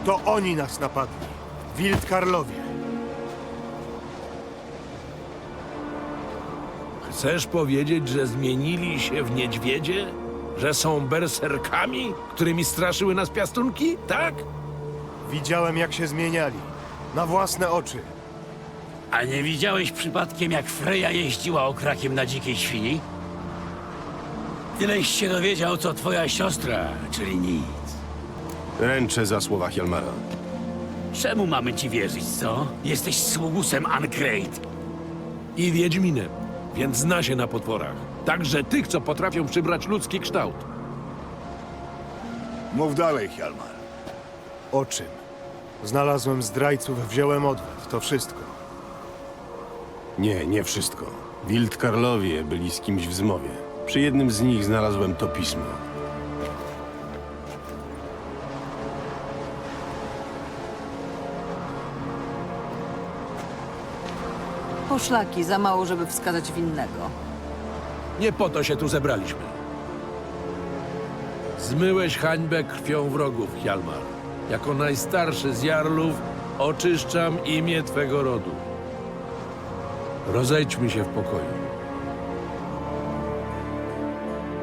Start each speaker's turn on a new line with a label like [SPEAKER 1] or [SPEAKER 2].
[SPEAKER 1] To oni nas napadli. Wildkarlowie.
[SPEAKER 2] Chcesz powiedzieć, że zmienili się w niedźwiedzie? Że są berserkami, którymi straszyły nas piastunki? Tak?
[SPEAKER 1] Widziałem, jak się zmieniali. Na własne oczy.
[SPEAKER 3] A nie widziałeś przypadkiem, jak Freja jeździła okrakiem na dzikiej świni? Tyleś się dowiedział, co twoja siostra, czyli nic.
[SPEAKER 4] Ręczę za słowa Hjalmara.
[SPEAKER 3] Czemu mamy ci wierzyć, co? Jesteś sługusem Ancrate.
[SPEAKER 2] I wiedźminem, więc zna się na potworach. Także tych, co potrafią przybrać ludzki kształt.
[SPEAKER 5] Mów dalej, Hjalmar.
[SPEAKER 1] O czym? Znalazłem zdrajców, wziąłem odwet. To wszystko.
[SPEAKER 4] Nie wszystko. Wildkarlowie byli z kimś w zmowie. Przy jednym z nich znalazłem to pismo.
[SPEAKER 6] Poszlaki, za mało, żeby wskazać winnego.
[SPEAKER 2] Nie po to się tu zebraliśmy. Zmyłeś hańbę krwią wrogów, Hjalmar. Jako najstarszy z jarlów oczyszczam imię twego rodu. Rozejdźmy się w pokoju.